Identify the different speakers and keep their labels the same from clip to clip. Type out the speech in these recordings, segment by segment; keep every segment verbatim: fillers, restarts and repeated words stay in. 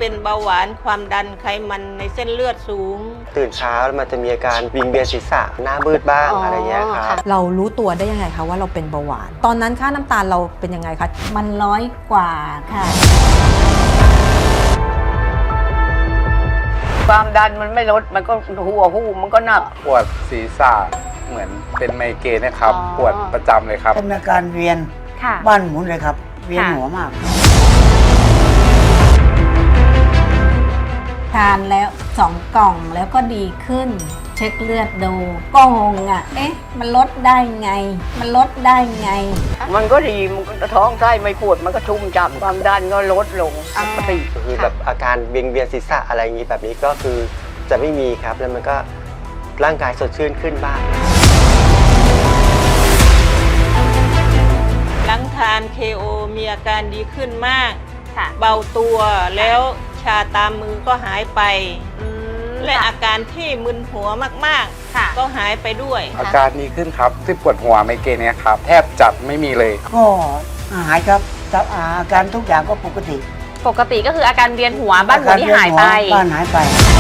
Speaker 1: เป็นเบาหวานความดันไขมันในเส้นเลือดสูง
Speaker 2: ตื่นเช้ามันจะมีอาการวิงเวียนศีรษะหน้ามืดบ้าง อ, อะไรเงี้ยครับ
Speaker 3: เรารู้ตัวได้ยังไงคะว่าเราเป็นเบาหวานตอนนั้นค่าน้ำตาลเราเป็นยังไงคะ
Speaker 4: มันร้อยกว่าค่ะ
Speaker 5: ความดันมันไม่ลดมันก็หัวหูมันก็หนัก
Speaker 6: ปวดศีรษะเหมือนเป็นไมเกรนนะครับปวดประจำเลยครับ
Speaker 7: เป็นอาการเวียนบ้านหมุนเลยครับเวียนหัวมาก
Speaker 4: ทานแล้วสองกล่องแล้วก็ดีขึ้นเช็คเลือดดูก็งงอ่ะเอ๊ะมันลดได้ไงมันลดได้ไง
Speaker 5: มันก็ดีมันก็ท้องไส้ไม่ปวดมันก็ชุ่มฉ่ำความดันก็ลดลงปกติ
Speaker 2: คือแบบอาการเวียนเวียนศีรษะอะไรอย่างนี้แบบนี้ก็คือจะไม่มีครับแล้วมันก็ร่างกายสดชื่นขึ้นบ้าง
Speaker 1: หลังทาน เค โอ มีอาการดีขึ้นมากเบาตัวแล้วชาตามมือก็หายไปและอาการที่มึนหัวมากๆก็หายไปด้วย
Speaker 6: อาการดีขึ้นครับที่ปวดหัวไมเกรนเนี่ยครับแทบจับไม่มีเลย
Speaker 7: ก็หายครับอาการทุกอย่างก็ปกติ
Speaker 8: ปกติก็คืออาการเวียนหัวบ้านหมุนที่หายไป
Speaker 7: บ้านหายไป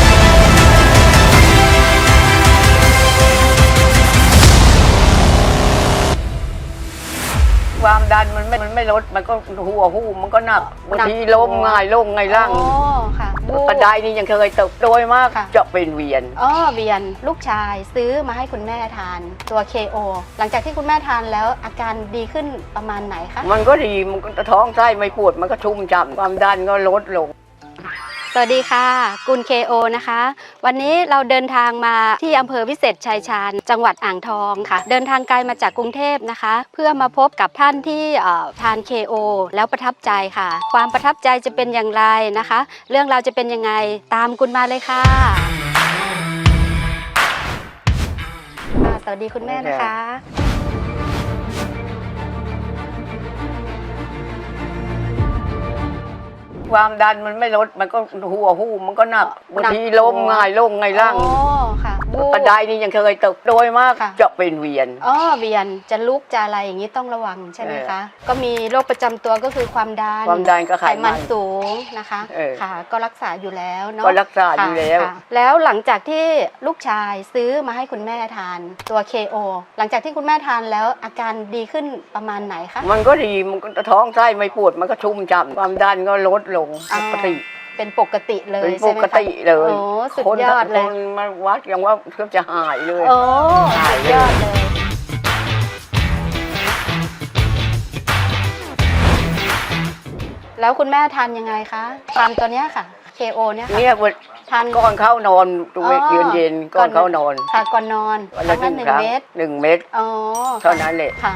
Speaker 5: ความดันมันไม่มันไม่ลดมันก็หัวหูมันก็หนักบางทีล้มง่ายลงไงร่างกระไดนี่ยังเคยตกโดยมากจะเป็นเวียน
Speaker 9: อ๋อเวียนลูกชายซื้อมาให้คุณแม่ทานตัว เค โอ หลังจากที่คุณแม่ทานแล้วอาการดีขึ้นประมาณไหนคะ
Speaker 5: มันก็ดีมันก็ท้องไส้ไม่ปวดมันก็ชุ่มฉ่ำความดันก็ลดลง
Speaker 9: สวัสดีค่ะกุล เค โอ นะคะวันนี้เราเดินทางมาที่อำเภอวิเศษชัยชาญจังหวัดอ่างทองค่ะเดินทางไกลมาจากกรุงเทพนะคะเพื่อมาพบกับท่านที่ทาน เค โอ แล้วประทับใจค่ะความประทับใจจะเป็นอย่างไรนะคะเรื่องราวจะเป็นยังไงตามกุลมาเลยค่ะสวัสดีคุณแม่นะคะ
Speaker 5: ความดันมันไม่ลดมันก็หัวหูมันก็หนักบางทีล้มง่ายลงไงร่างกระไดนี่ยังเคยตกโดยมากจะเป็นเวียน
Speaker 9: อ๋อเวียนจะลุกจะอะไรอย่างนี้ต้องระวังใช่ไหมคะก็มีโรคประจำตัวก็คือความดัน
Speaker 5: ความดันก็ไข
Speaker 9: มันสูงนะคะค่ะก็รักษาอยู่แล้วเนาะ
Speaker 5: ก็รักษาอยู่แล้ว
Speaker 9: แล้วหลังจากที่ลูกชายซื้อมาให้คุณแม่ทานตัว เค โอ หลังจากที่คุณแม่ทานแล้วอาการดีขึ้นประมาณไหนคะ
Speaker 5: มันก็ดีมันก็ท้องไส้ไม่ปวดมันก็ชุ่มฉ่ำความดันก็ลดลงปกติ
Speaker 9: เป็นปกติเลย
Speaker 5: ใช่ไหมคะปกติเลย
Speaker 9: โอ้สุดยอดเลย
Speaker 5: คนมาวัดยังว่าเกือบจะหายเลย
Speaker 9: โอ้สุดยอดเลยแล้วคุณแม่ทานยังไงคะตามตัวเนี้ยค่ะ เค โอ เนี่ยค่ะ
Speaker 5: เนี่ยทานก่อนเข้านอนตัวเย็นเย็นก่อนเข้านอน
Speaker 9: ค่ะก่อนนอน
Speaker 5: วันละหนึ่งเม็ดหนึ่งเม็ด
Speaker 9: อ๋อ
Speaker 5: เท่านั้นแหละ
Speaker 9: ค่ะ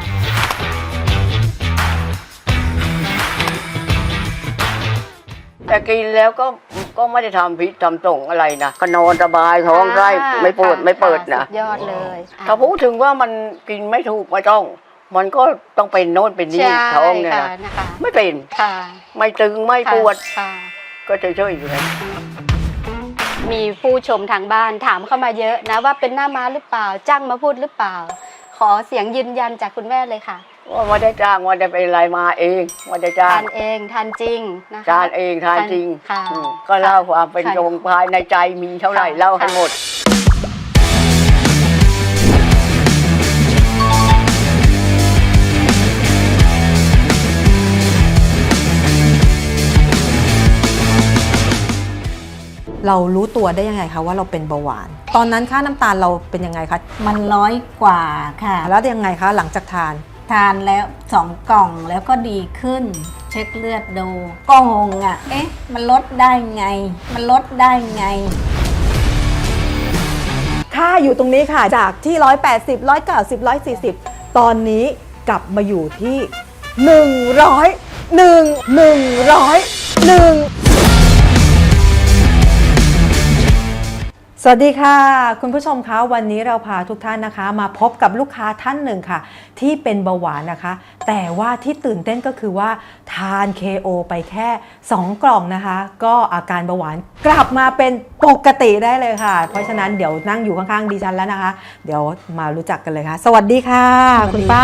Speaker 5: แต่กินแล้วก็ก็ไม่ได้ทำพิษทำส่งอะไรนะก็นอนสบายท้องไส้ไม่ปวดไม่เปิดนะ
Speaker 9: ยอดเลย
Speaker 5: ถ้าพูดถึงว่ามันกินไม่ถูกไม่ต้องมันก็ต้องเป็นโน่นเป็นนี่ท้องเนี่ยนะไม่เป็นไม่ตึงไม่ปวดก็เฉยๆอยู่เลย
Speaker 9: มีผู้ชมทางบ้านถามเข้ามาเยอะนะว่าเป็นหน้าม้าหรือเปล่าจ้างมาพูดหรือเปล่าขอเสียงยืนยันจากคุณแม่เลยค่ะ
Speaker 5: ว่าไม่ได้จ้างว่าได้เป็นอะไรมาเองว่าได้จ้าง
Speaker 9: ทานเองทานจริงนะคะ
Speaker 5: ทานเองทานจริงก็เล่าความเป็นจงภายในใจมีเท่าไหร่เล่าให้หมด
Speaker 3: เรารู้ตัวได้ยังไงคะว่าเราเป็นเบาหวานตอนนั้นค่าน้ำตาลเราเป็นยังไงคะ
Speaker 4: มันร้อยกว่าค่ะ
Speaker 3: แล้วยังไงคะหลังจากทาน
Speaker 4: ทานแล้วสองกล่องแล้วก็ดีขึ้นเช็คเลือดดูก็งงอ่ะเอ๊ะมันลดได้ไงมันลดได้ไง
Speaker 3: ค่าอยู่ตรงนี้ค่ะจากที่หนึ่งร้อยแปดสิบ หนึ่งร้อยเก้าสิบ หนึ่งร้อยสี่สิบตอนนี้กลับมาอยู่ที่หนึ่งร้อย หนึ่ง หนึ่งร้อย หนึ่งสวัสดีค่ะคุณผู้ชมคะวันนี้เราพาทุกท่านนะคะมาพบกับลูกค้าท่านหนึ่งค่ะที่เป็นเบาหวานนะคะแต่ว่าที่ตื่นเต้นก็คือว่าทาน เค โอ ไปแค่สองกล่องนะคะก็อาการเบาหวานกลับมาเป็นปกติได้เลยค่ะเพราะฉะนั้นเดี๋ยวนั่งอยู่ข้างๆดิฉันแล้วนะคะเดี๋ยวมารู้จักกันเลยค่ะสวัสดีค่ะคุณป้า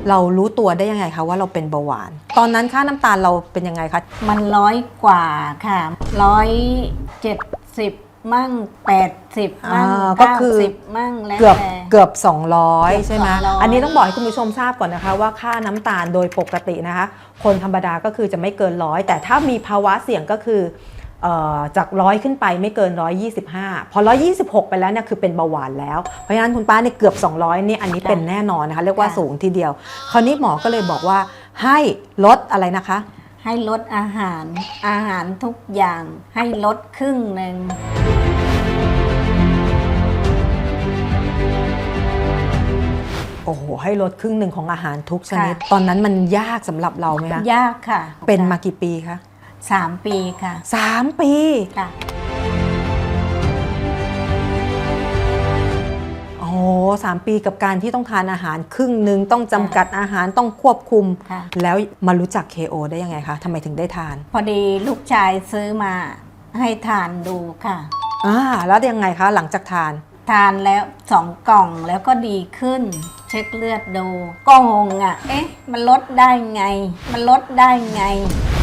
Speaker 3: เรารู้ตัวได้ยังไงคะว่าเราเป็นเบาหวาน ตอนนั้นค่าน้ำตาลเราเป็นยังไงคะ
Speaker 4: มันร้อยกว่าค่ะร้อยเจ็ดสิบมั่งแปดสิบมั่ง
Speaker 3: อ่าก็
Speaker 4: เก้า
Speaker 3: คือ
Speaker 4: สิบมั่งแล้ว
Speaker 3: เกือบ
Speaker 4: แต่
Speaker 3: เกือบสองร้อย
Speaker 4: เกือบ
Speaker 3: ใช่ไหม
Speaker 4: สองร้อย
Speaker 3: อันนี้ต้องบอกให้คุณผู้ชมทราบก่อนนะคะว่าค่าน้ำตาลโดยปกตินะคะคนธรรมดาก็คือจะไม่เกินร้อยแต่ถ้ามีภาวะเสี่ยงก็คือเอ่อจากร้อยขึ้นไปไม่เกินหนึ่งร้อยยี่สิบห้าพอหนึ่งร้อยยี่สิบหกไปแล้วเนี่ยคือเป็นเบาหวานแล้วเพราะฉะนั้นคุณป้าเนี่ยเกือบสองร้อยนี่อันนี้เป็นแน่นอนนะคะเรียกว่าสูงทีเดียวคราวนี้หมอก็เลยบอกว่าให้ลดอะไรนะคะ
Speaker 4: ให้ลดอาหารอาหารทุกอย่างให้ลดครึ่งหนึ่ง
Speaker 3: โอ้โหให้ลดครึ่งหนึ่งของอาหารทุกชนิดตอนนั้นมันยากสำหรับเราไหมคะ
Speaker 4: ยากค่ะ
Speaker 3: เป็นมากี่ปีคะ
Speaker 4: สามปีค่ะ
Speaker 3: สามปี
Speaker 4: ค่ะ
Speaker 3: โอ้โหสามปีกับการที่ต้องทานอาหารครึ่งหนึ่งต้องจำกัดอาหารต้องควบคุม
Speaker 4: ค่ะ
Speaker 3: แล้วมารู้จัก เค โอ ได้ยังไงคะทำไมถึงได้ทาน
Speaker 4: พอดีลูกชายซื้อมาให้ทานดูค่ะ
Speaker 3: อ่าแล้วยังไงคะหลังจากทาน
Speaker 4: ทานแล้วสองกล่องแล้วก็ดีขึ้น เช็คเลือดดูก็งงอ่ะ เอ๊ะ มันลดได้ไง มันลดได้ไง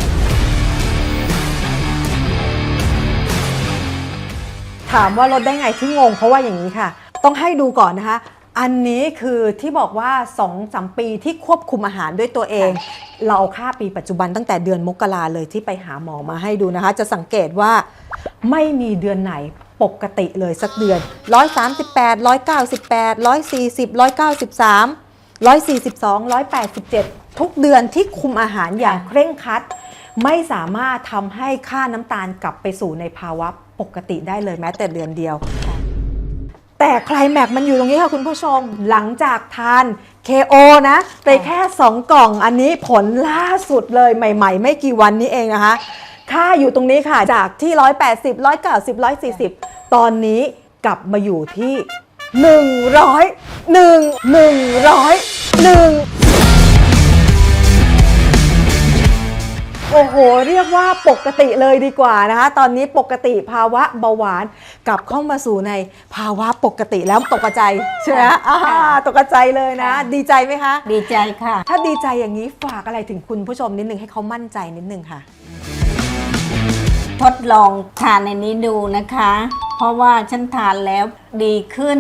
Speaker 3: ถามว่าลดได้ไงที่งงเพราะว่าอย่างนี้ค่ะ ต้องให้ดูก่อนนะคะ อันนี้คือที่บอกว่า สองถึงสาม ปีที่ควบคุมอาหารด้วยตัวเอง เราเอาค่าปีปัจจุบันตั้งแต่เดือนมกราเลยที่ไปหาหมอมาให้ดูนะคะ จะสังเกตว่าไม่มีเดือนไหนปกติเลยสักเดือน หนึ่งร้อยสามสิบแปด หนึ่งร้อยเก้าสิบแปด หนึ่งร้อยสี่สิบ หนึ่งร้อยเก้าสิบสาม หนึ่งร้อยสี่สิบสอง หนึ่งร้อยแปดสิบเจ็ด ทุกเดือนที่คุมอาหารอย่างเคร่งครัด ไม่สามารถทำให้ค่าน้ำตาลกลับไปสู่ในภาวะปกติได้เลยแม้แต่เดือนเดียว แต่ไคลแม็กซ์มันอยู่ตรงนี้ค่ะคุณผู้ชมหลังจากทาน เค โอ นะไปแค่สองกล่องอันนี้ผลล่าสุดเลยใหม่ๆ ไม่กี่วันนี้เองนะคะ ค่าอยู่ตรงนี้ค่ะจากที่ หนึ่งร้อยแปดสิบ หนึ่งร้อยเก้าสิบ หนึ่งร้อยสี่สิบ ตอนนี้กลับมาอยู่ที่ หนึ่งร้อย หนึ่ง หนึ่งร้อย หนึ่ง โอ้โหเรียกว่าปกติเลยดีกว่านะคะตอนนี้ปกติภาวะเบาหวานกลับเข้ามาสู่ในภาวะปกติแล้วตกใจใช่ไหมอ่าตกใจเลยนะ ดีใจไหมคะ
Speaker 4: ดีใจค่ะ
Speaker 3: ถ้าดีใจอย่างนี้ฝากอะไรถึงคุณผู้ชมนิดนึงให้เขามั่นใจนิดนึงค่ะ
Speaker 4: ทดลองทานในนี้ดูนะคะ เพราะว่าฉันทานแล้วดีขึ้น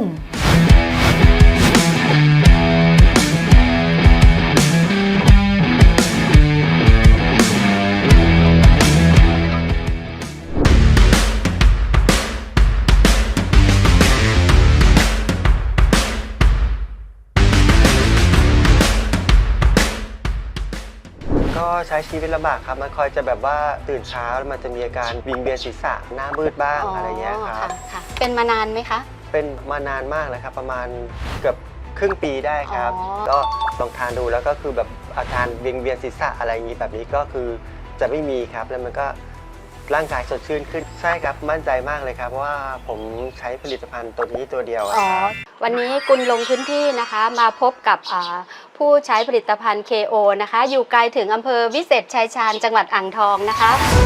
Speaker 2: ก็ใช้ชีวิตลำบากครับมันคอยจะแบบว่าตื่นเช้ามันจะมีอาการวิงเวียนศีรษะหน้ามืดบ้างอะไรเงี้ยครับ
Speaker 9: ค่ะเป็นมานานไหมคะ
Speaker 2: เป็นมานานมากเลยครับประมาณเกือบครึ่งปีได้ครับ
Speaker 9: อ๋อ
Speaker 2: ก็ลองทานดูแล้วก็คือแบบอาการเวียนเวียนศีรษะอะไรอย่างนี้แบบนี้ก็คือจะไม่มีครับแล้วมันก็ร่างกายสดชื่นขึ้นใช่ครับมั่นใจมากเลยครับเพราะว่าผมใช้ผลิตภัณฑ์ตัวนี้ตัวเดียวอะ
Speaker 9: อ๋อ
Speaker 2: ครับ
Speaker 9: วันนี้กุลลงพื้นที่นะคะมาพบกับอ่าผู้ใช้ผลิตภัณฑ์ เค โอ นะคะ อยู่ไกลถึงอำเภอวิเศษชัยชาญจังหวัดอ่างทองนะคะ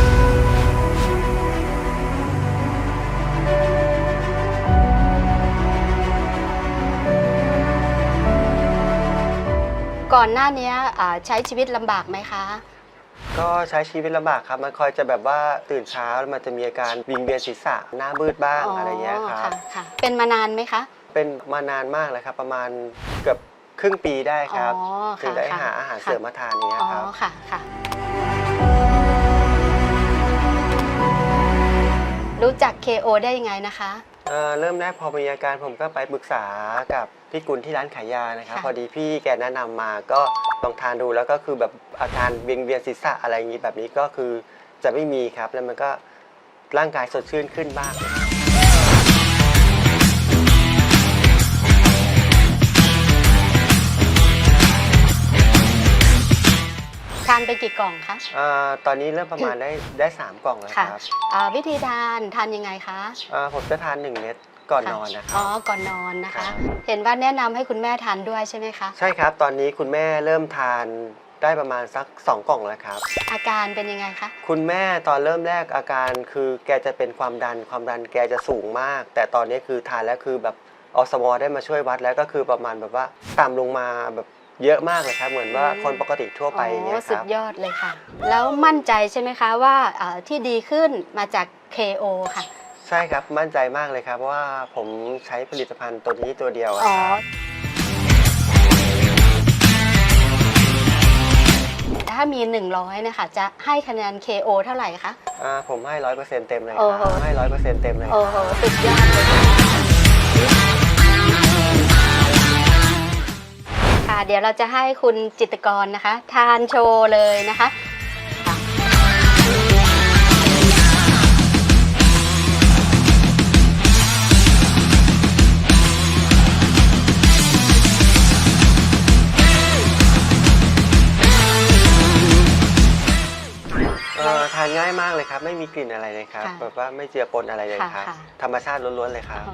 Speaker 9: ก่อนหน้านี้อ่าใช้ชีวิตลำบากไหมคะ
Speaker 2: ก็ใช้ชีวิตลำบากครับมันคอยจะแบบว่าตื่นเช้ามันจะมีอาการวิงเวียนศีรษะหน้ามืดบ้างอะไรเงี้ยครับ
Speaker 9: ค่ะค่ะเป็นมานานไหมคะ
Speaker 2: เป็นมานานมากเลยครับประมาณเกือบครึ่งปีได้ครับ
Speaker 9: อ๋อค่ะ
Speaker 2: ถึงได้
Speaker 9: ค่ะ
Speaker 2: หาอาหาร
Speaker 9: ค่ะ
Speaker 2: เสริมมาทานเนี้ย
Speaker 9: อ๋อ
Speaker 2: ครับ
Speaker 9: ค่ะค่ะ รู้จัก เค โอ ได้ยังไงนะคะ
Speaker 2: เอ่อเริ่มแรกพอมีอาการผมก็ไปปรึกษากับพี่กุลที่ร้านขายยานะครับ
Speaker 9: ค่ะ
Speaker 2: พอดีพี่แกแนะนำมาก็ลองทานดูแล้วก็คือแบบอาการเวียนเวียนศีรษะอะไรอย่างนี้แบบนี้ก็คือจะไม่มีครับแล้วมันก็ร่างกายสดชื่นขึ้นบ้าง
Speaker 9: ทานไปกี่กล่องคะ
Speaker 2: อ่าตอนนี้เริ่มประมาณได้ได้สามกล่องแล้ว
Speaker 9: ค่ะ
Speaker 2: ครับ
Speaker 9: อ่าวิธีทานทานยังไงคะ
Speaker 2: อ่าผมจะทานหนึ่งเม็ดก่อนนอนนะค
Speaker 9: อ๋
Speaker 2: รั
Speaker 9: อ
Speaker 2: บ
Speaker 9: ก่อนนอนนะ
Speaker 2: ครั
Speaker 9: คะ
Speaker 2: บ
Speaker 9: เห็นว่าแนะนำให้คุณแม่ทานด้วยใช่ไหมคะ
Speaker 2: ใช่ครับตอนนี้คุณแม่เริ่มทานได้ประมาณสักสองกล่องแล้วครับ
Speaker 9: อาการเป็นยังไงคะ
Speaker 2: คุณแม่ตอนเริ่มแรกอาการคือแกจะเป็นความดันความดันแกจะสูงมาก แต่ตอนนี้คือทานแล้วคือแบบอสมได้มาช่วยวัดแล้วก็คือประมาณแบบว่าต่ำลงมาแบบเยอะมากเลยครับเหมือนว่าคนปกติทั่วไปอย่างเงี้ย
Speaker 9: โอ้
Speaker 2: ค
Speaker 9: สุ
Speaker 2: รั
Speaker 9: ด
Speaker 2: บ
Speaker 9: ยอดเลยค่ะ แล้วมั่นใจใช่ไหมคะว่าเอ่อที่ดีขึ้นมาจาก เค โอ ค่ะ
Speaker 2: ใช่ครับมั่นใจมากเลยครับเพราะว่าผมใช้ผลิตภัณฑ์ตัวนี้ตัวเดียวอะ
Speaker 9: อ๋อ
Speaker 2: ครับ
Speaker 9: ถ้ามี หนึ่งร้อยนะคะจะให้คะแนน เค โอ เท่าไหร่คะ
Speaker 2: อ่าผมให้ร้อยเปอร์เซ็นต์เต็มเลยค
Speaker 9: โอ้
Speaker 2: รับ
Speaker 9: โห
Speaker 2: ให้ร้อยเปอร์เซ็นต์เต็มเลยค
Speaker 9: โอ้
Speaker 2: รับ
Speaker 9: โห สุดยอดเลยค่ะค่ะ เดี๋ยวเราจะให้คุณจิตรกรนะคะ ทานโชว์เลยนะคะค่ะ
Speaker 2: เอ่อทานง่ายมากเลยครับไม่มีกลิ่นอะไรเลยครับ
Speaker 9: ค่ะ
Speaker 2: แบบว่าไม่เจือปนอะไรเลย
Speaker 9: ค่ะ
Speaker 2: ครับ
Speaker 9: ค่ะ
Speaker 2: ธรรมชาติล้วนๆเลยครับ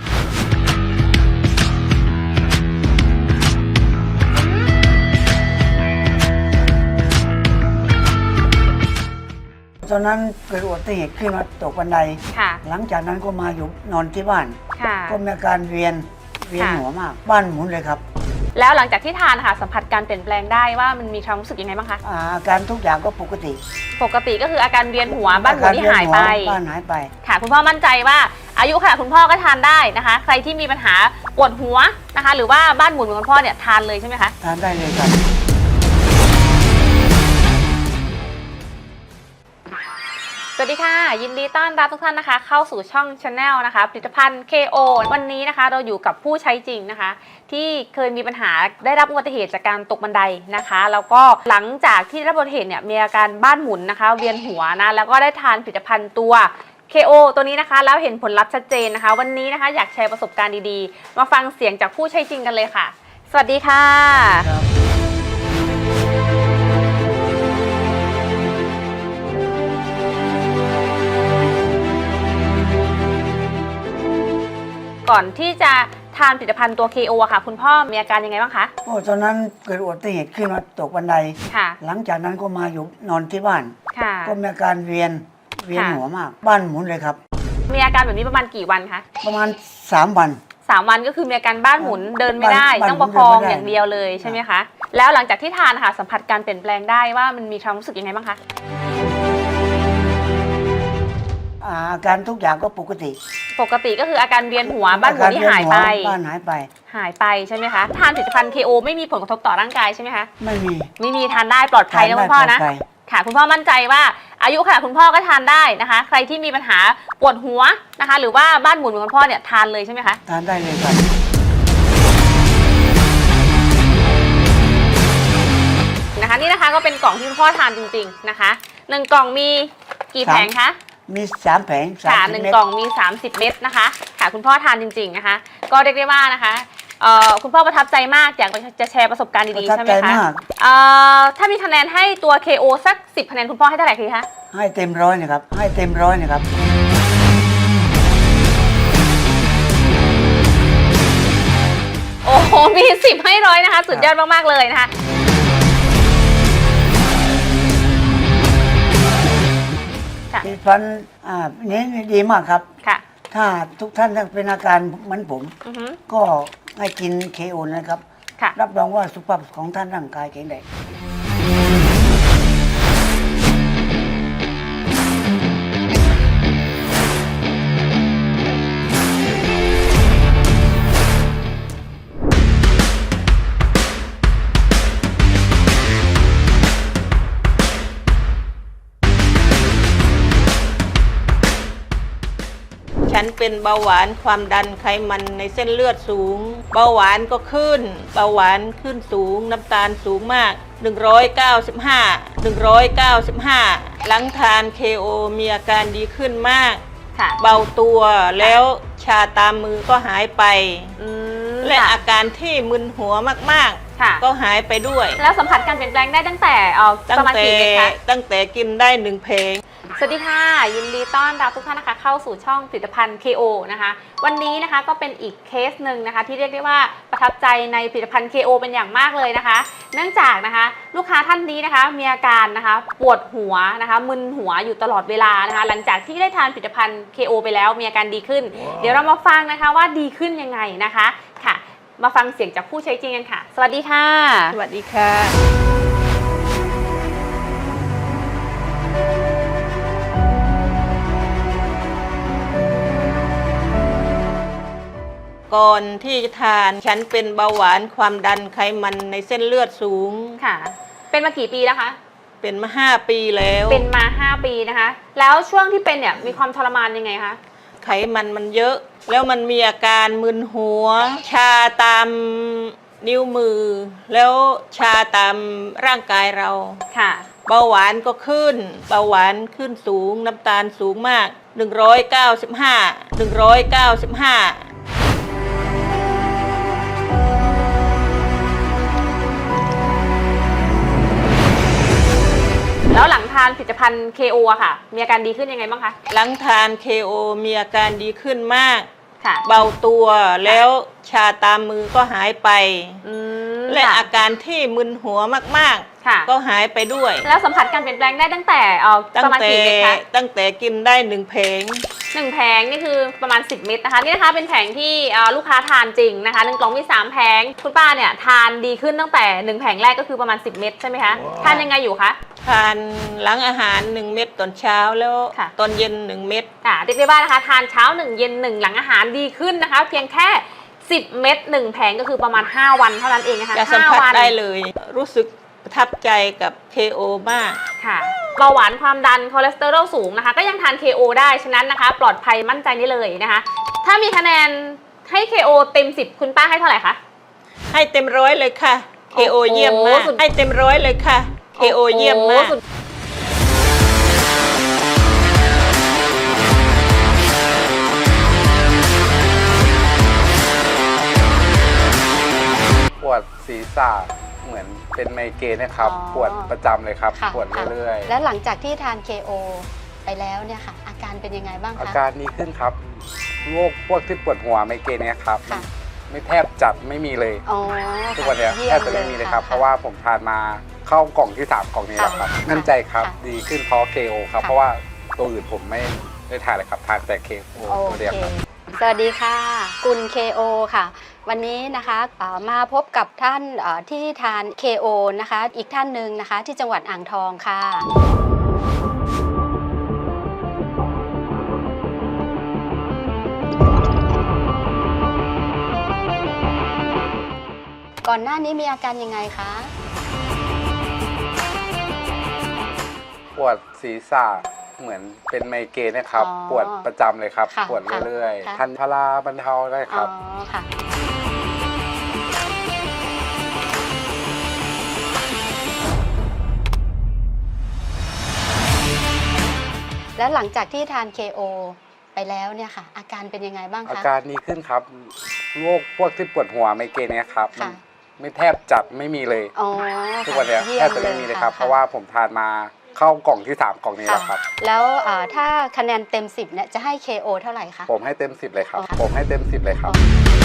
Speaker 7: ตอนนั้นเกิดอุบัติเหตุขึ้นมาตกบันได
Speaker 8: ค่ะ
Speaker 7: หลังจากนั้นก็มาอยู่นอนที่บ้าน
Speaker 8: ค่ะ
Speaker 7: ก็มีอาการเวียนเวียน
Speaker 8: ค่ะ
Speaker 7: หัวมาก บ้านหมุนเลยครับ
Speaker 8: แล้วหลังจากที่ทานค่ะสัมผัสการเปลี่ยนแปลงได้ว่ามันมีความรู้สึกยังไงบ้างคะ
Speaker 7: อ่าอาการทุกอย่างก็ปกติ
Speaker 8: ปกติก็คืออาการเวียนหัวบ้านหมุนที่หายไป
Speaker 7: อการเวีนหัวบ้านหายไป
Speaker 8: ค่ะ คุณพ่อมั่นใจว่าอายุขนาดคุณพ่อก็ทานได้นะคะ ใครที่มีปัญหาปวดหัวนะคะ หรือว่าบ้านหมุนเหมือนคุณพ่อเนี่ยทานเลยใช่ไหมคะ
Speaker 7: ทานได้เลยครับ
Speaker 8: สวัสดีค่ะ ยินดีต้อนรับทุกท่านนะคะ เข้าสู่ช่อง Channel นะคะผลิตภัณฑ์ เค โอ วันนี้นะคะเราอยู่กับผู้ใช้จริงนะคะ ที่เคยมีปัญหาได้รับอุบัติเหตุจากการตกบันไดนะคะ แล้วก็หลังจากที่ได้รับอุบัติเหตุเนี่ยมีอาการบ้านหมุนนะคะ เวียนหัวนะแล้วก็ได้ทานผลิตภัณฑ์ตัว เค โอ ตัวนี้นะคะแล้วเห็นผลลัพธ์ชัดเจนนะคะ วันนี้นะคะอยากแชร์ประสบการณ์ดีๆ มาฟังเสียงจากผู้ใช้จริงกันเลยค่ะ สวัสดีค่ะ
Speaker 7: ครับ
Speaker 8: ก่อนที่จะทานผลิตภัณฑ์ตัว เค โอ อะค่ะ คุณพ่อมีอาการยังไงบ้างคะ
Speaker 7: โอ้ตอนนั้นเกิดอุบัติเหตุขึ้นมาตกบันได
Speaker 8: ค่ะ
Speaker 7: หลังจากนั้นก็มาอยู่นอนที่บ้าน
Speaker 8: ค่ะ
Speaker 7: ก็มีอาการเวียนเวียน
Speaker 8: ค่ะ
Speaker 7: หัวมาก บ้านหมุนเลยครับ
Speaker 8: มีอาการแบบนี้ประมาณกี่วันคะ
Speaker 7: ประมาณสามวัน
Speaker 8: สามวันก็คือมีอาการบ้านหมุนเดินไม่ได้
Speaker 7: บ้าน
Speaker 8: ต้องประคอง
Speaker 7: เดินไม่ได้
Speaker 8: อย่างเดียวเลยใช่ไหมคะ แล้วหลังจากที่ทานค่ะสัมผัสการเปลี่ยนแปลงได้ว่ามันมีความรู้สึกยังไงบ้างคะ
Speaker 7: อ่าอาการทุกอย่างก็ปกติ
Speaker 8: ปกติก็คืออาการเวียนหัวบ้านหมุนที่หายไป
Speaker 7: อการเวีนหัวบ้านหายไป
Speaker 8: หายไปใช่ไหมคะทานผลิตภัณฑ์ เค โอ ไม่มีผลกระทบต่อร่างกายใช่ไหมคะ
Speaker 7: ไม่มี
Speaker 8: ไม่มีทานได้ปลอดภัยนะคุณพ่อนะ
Speaker 7: ทาได้ปลดภัย
Speaker 8: ค่ะ คุณพ่อมั่นใจว่าอายุขนาดคุณพ่อก็ทานได้นะคะ ใครที่มีปัญหาปวดหัวนะคะ หรือว่าบ้านหมุนเหมือนคุณพ่อเนี่ยทานเลยใช่ไหมคะ
Speaker 7: ทานได้เลยครับ
Speaker 8: นะคะนี่นะคะก็เป็นกล่องที่คุณพ่อทานจริงๆนะคะหนึ่งกล่องมีกี่แผงคะ
Speaker 7: มีสามแผงสาม
Speaker 8: ค่ะ
Speaker 7: สิบ
Speaker 8: หนึ่ง
Speaker 7: เม็ด
Speaker 8: กล่องมีสามสิบเม็ดนะคะค่ะคุณพ่อทานจริงๆนะคะ ก็เรียกได้ว่านะคะเอ่อคุณพ่อประทับใจมากอยากจะแชร์ประสบการณ์
Speaker 7: ประ
Speaker 8: ดีๆ
Speaker 7: ทับ
Speaker 8: ใช่ไหม
Speaker 7: ใจ
Speaker 8: คะ
Speaker 7: มาก
Speaker 8: เอ่อถ้ามีคะแนนให้ตัว เค โอ สักสิบคะแนนคุณพ่อให้เท่าไหร่คะ
Speaker 7: ให้เต็มร้อยนะครับ ให้เต็มร้อยนะครับ
Speaker 8: โอ้โหมีสิบให้ร้อยนะคะสุดยอดมากๆเลยนะคะค่ะ
Speaker 7: ผลิตภัณฑ์อ่านี้ดีมากครับ
Speaker 8: ค่ะ
Speaker 7: ถ้าทุกท่านเป็นอาการเหมือนผม
Speaker 8: อือฮึ
Speaker 7: ก็ให้กินเคโอนะครับ
Speaker 8: ค่ะ
Speaker 7: รับรองว่าสุขภาพของท่านร่างกายแข็งแรง
Speaker 1: ฉันเป็นเบาหวานความดันไขมันในเส้นเลือดสูง เบาหวานก็ขึ้น เบาหวานขึ้นสูง น้ำตาลสูงมาก หนึ่งร้อยเก้าสิบห้า หนึ่งร้อยเก้าสิบห้า หลังทาน เค โอ มีอาการดีขึ้นมาก
Speaker 8: ค่ะ
Speaker 1: เบาตัวแล้วชาตามมือก็หายไป
Speaker 8: อืม
Speaker 1: และ
Speaker 8: ค่ะ
Speaker 1: อาการที่มึนหัวมาก
Speaker 8: ค่ะ
Speaker 1: ๆ ก็หายไปด้วย
Speaker 8: แล้วสัมผัสการเปลี่ยนแปลงได้ตั้งแต่เอ่อ
Speaker 1: ตั้
Speaker 8: ป
Speaker 1: ง
Speaker 8: ระมาณ
Speaker 1: แต่
Speaker 8: กี่เม็ดคะ
Speaker 1: ตั้งแต่กินได้หนึ่งเพลง
Speaker 8: สวัสดีค่ะ ยินดีต้อนรับทุกท่านนะคะเข้าสู่ช่องผลิตภัณฑ์ เค โอ นะคะ วันนี้นะคะก็เป็นอีกเคสหนึ่งนะคะ ที่เรียกได้ว่าประทับใจในผลิตภัณฑ์ เค โอ เป็นอย่างมากเลยนะคะ เนื่องจากนะคะลูกค้าท่านนี้นะคะมีอาการนะคะปวดหัวนะคะมึนหัวอยู่ตลอดเวลานะคะ หลังจากที่ได้ทานผลิตภัณฑ์ เค โอ ไปแล้วมีอาการดีขึ้น เดี๋ยวเรามาฟังนะคะว่าดีขึ้นยังไงนะคะค่ะมาฟังเสียงจากผู้ใช้จริงกันค่ะสวัสดีค่ะ
Speaker 1: สวัสดีค่ะ ก่อนที่จะทานฉันเป็นเบาหวานความดันไขมันในเส้นเลือดสูง
Speaker 8: ค่ะ เป็นมากี่ปีแล้วคะ
Speaker 1: เป็นมาห้าปีแล้ว
Speaker 8: เป็นมาห้าปีนะคะ แล้วช่วงที่เป็นเนี่ยมีความทรมานยังไงคะ
Speaker 1: ไขมันมันเยอะ แล้วมันมีอาการมึนหัว ชาตามนิ้วมือ แล้วชาตามร่างกายเรา
Speaker 8: ค่ะ
Speaker 1: เบาหวานก็ขึ้น เบาหวานขึ้นสูง น้ำตาลสูงมาก หนึ่งร้อยเก้าสิบห้า หนึ่งร้อยเก้าสิบห้า
Speaker 8: แล้วหลังทานผลิตภัณฑ์ เค โอ อะค่ะ มีอาการดีขึ้นยังไงบ้างคะ
Speaker 1: หลังทาน เค โอ มีอาการดีขึ้นมาก
Speaker 8: ค่ะ
Speaker 1: เบาตัวแล้วชาตามมือก็หายไป
Speaker 8: อืม
Speaker 1: และ
Speaker 8: ค่ะ
Speaker 1: อาการที่มึนหัวมาก
Speaker 8: ค่ะ
Speaker 1: ๆ ก็หายไปด้วย
Speaker 8: แล้วสัมผัสการเปลี่ยนแปลงได้ตั้งแต่เอ่อ
Speaker 1: ตั้
Speaker 8: ป
Speaker 1: ง
Speaker 8: ระมาณ
Speaker 1: แต่
Speaker 8: กี่เม็ดคะ
Speaker 1: ตั้งแต่กินได้หนึ่งเพลง
Speaker 8: หนึ่งแผงนี่คือประมาณสิบเม็ดนะคะนี่นะคะเป็นแผงที่เอ่อลูกค้าทานจริงนะคะหนึ่งกล่องมีสามแผงคุณป้าเนี่ยทานดีขึ้นตั้งแต่หนึ่งแผงแรกก็คือประมาณสิบเม็ดใช่ไหมคะทานยังไงอยู่คะ
Speaker 1: ทานหลังอาหารหนึ่งเม็ดตอนเช้าแล้ว
Speaker 8: ค่ะ
Speaker 1: ตอนเย็นหนึ่งเม็ด
Speaker 8: ค่ะเรียกได้ว่านะคะทานเช้าหนึ่งเย็นหนึ่งหลังอาหารดีขึ้นนะคะ เพียงแค่สิบเม็ดหนึ่งแผงก็คือประมาณห้าวันเท่านั้นเองนะคะ
Speaker 1: จะสัม
Speaker 8: ห้า
Speaker 1: ผัส
Speaker 8: วัน
Speaker 1: ได้เลย รู้สึกประทับใจกับ เค โอ มาก
Speaker 8: ค่ะเบาหวานความดันคอเลสเตอรอลสูงนะคะก็ยังทาน เค โอ ได้ฉะนั้นนะคะ ปลอดภัยมั่นใจได้เลยนะคะ ถ้ามีคะแนนให้ เค โอ เต็มสิบคุณป้าให้เท่าไหร่คะ
Speaker 1: ให้เต็มร้อยเลยค่ะ เค โอ
Speaker 8: โอ้โห
Speaker 1: เยี่ยมมาก
Speaker 8: สุด
Speaker 1: ให้เต็มร้อยเลยค่ะ เค โอ เยี่ยมมาก
Speaker 8: โอ้โหสุด
Speaker 6: ปวดศีรษะเหมือนเป็นไมเกรนนะครับ
Speaker 9: อ๋อ
Speaker 6: ปวดประจำเลยครับ
Speaker 9: ค่ะ
Speaker 6: ปวดเรื่อย
Speaker 9: แล้วหลังจากที่ทาน เค โอ ไปแล้วเนี่ยค่ะ อาการเป็นยังไงบ้าง
Speaker 6: ๆ อา
Speaker 9: คะ
Speaker 6: การดีขึ้นครับโรคพวกที่ปวดหัวไมเกรนเนี่ยครับ
Speaker 9: ค่ะ
Speaker 6: ไม่แทบจัดไม่มีเลย
Speaker 9: อ๋อ
Speaker 6: ทุกวันเนี้ย
Speaker 9: ยี่
Speaker 6: แทบจะไม่มีเลยครับ
Speaker 9: ะ
Speaker 6: เพราะว่าผมทานมาเข้ากล่องที่สามกล่องนี้แล้วครับ
Speaker 9: ค่ะ
Speaker 6: มั่นใจครับ
Speaker 9: ค่ะ
Speaker 6: ดีขึ้นเพราะ เค โอ ครับ
Speaker 9: ค่ะ
Speaker 6: เพราะว่าตัวอื่นผมไม่ได้ทานเลยครับทานแต่ เค โอ
Speaker 9: โอ
Speaker 6: ตัวเดียว
Speaker 9: เค
Speaker 6: ครับ
Speaker 9: สวัสดีค่ะ กุล เค โอ ค่ะ วันนี้นะคะเอ่อมาพบกับท่านเอ่อที่ทาน เค โอ นะคะ อีกท่านหนึ่งนะคะ ที่จังหวัดอ่างทองค่ะ ก่อนหน้านี้มีอาการยังไงคะ
Speaker 6: ปวดศีรษะเหมือนเป็นไมเกรนนะครับ
Speaker 9: อ๋อ
Speaker 6: ปวดประจำเลยครับ
Speaker 9: ค่ะ
Speaker 6: ปวดเรื่อย
Speaker 9: ค่ะ
Speaker 6: ๆทานพาราบรรเทาได้ค
Speaker 9: อ๋
Speaker 6: รั
Speaker 9: อบ ค่ะ แล้วหลังจากที่ทาน เค โอ ไปแล้วเนี่ยค่ะ อาการเป็นยังไงบ้าง
Speaker 6: อา
Speaker 9: คะ
Speaker 6: การดีขึ้นครับโรคพวกที่ปวดหัวไมเกรนเนี่ยครับ
Speaker 9: ค่ะ
Speaker 6: ไม่แทบจัดไม่มีเลย
Speaker 9: อ๋อ
Speaker 6: ทุกวันเนี้ย
Speaker 9: ยี่
Speaker 6: แทบจะไม่มีเลยครับ
Speaker 9: ค่
Speaker 6: เพราะว่าผมทานมาเข้ากล่องที่สามกล่องนี้
Speaker 9: ค่ะ
Speaker 6: แล้วครับ
Speaker 9: แล้วเอ่อถ้าคะแนนเต็มสิบเนี่ยจะให้ เค โอ เท่าไหร่คะ
Speaker 6: ผมให้เต็มสิบเลยครับ
Speaker 9: อ๋อค่ะ
Speaker 6: ผมให้เต็มสิบเลยครับ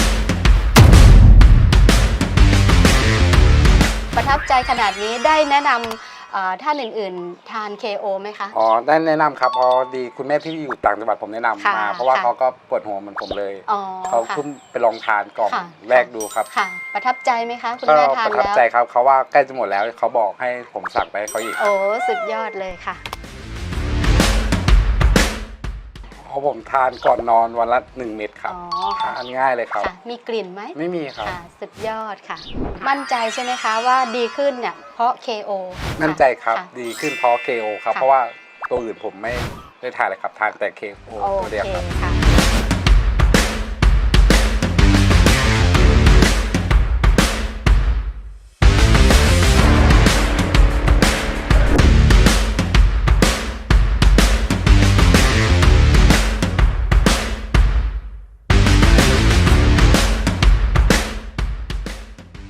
Speaker 9: ประทับใจขนาดนี้ได้แนะนำเอ่อท่านอื่นๆ ทาน เค โอ ไหมคะ
Speaker 6: อ๋อได้แนะนำครับเพราะดีคุณแม่ที่อยู่ต่างจังหวัดผมแนะนำ
Speaker 9: ค่ะ
Speaker 6: มา เพราะว่า
Speaker 9: ค่ะ
Speaker 6: เขาก็ปวดหัวเหมือนผมเลย
Speaker 9: อ๋อ
Speaker 6: เขา
Speaker 9: ค่ะ
Speaker 6: เพิ่งไปลองทานกล่อง
Speaker 9: ค่ะ
Speaker 6: แรกดูครับ
Speaker 9: ค่ะ ประทับใจไหมคะ คุณ
Speaker 6: ก็
Speaker 9: แม่ทา
Speaker 6: ป
Speaker 9: น
Speaker 6: ระทับ
Speaker 9: แล้ว
Speaker 6: ใจครับเขาว่าใกล้จะหมดแล้วเขาบอกให้ผมสั่งไปให้เขาอีก
Speaker 9: โอ้สุดยอดเลยค่ะ
Speaker 6: เพราะผมทานก่อนนอนวันละหนึ่งเม็ดครับ
Speaker 9: อ๋อ
Speaker 6: ทานง่ายเลยครับ
Speaker 9: ค่ะ มีกลิ่นไหม
Speaker 6: ไม่มีครับ
Speaker 9: ค่ะ สุดยอดค่ะ มั่นใจใช่ไหมคะว่าดีขึ้นเนี่ยเพราะ เค โอ
Speaker 6: มั่นใจครับ
Speaker 9: ะ
Speaker 6: ดีขึ้นเพราะ เค โอ ครับ
Speaker 9: ค่ะ
Speaker 6: เพราะว่าตัวอื่นผมไม่ได้ทานเลยครับทานแต่ เค โอ
Speaker 9: โอ
Speaker 6: ตัวเดียว
Speaker 9: เค
Speaker 6: ครับ
Speaker 9: ค่ะ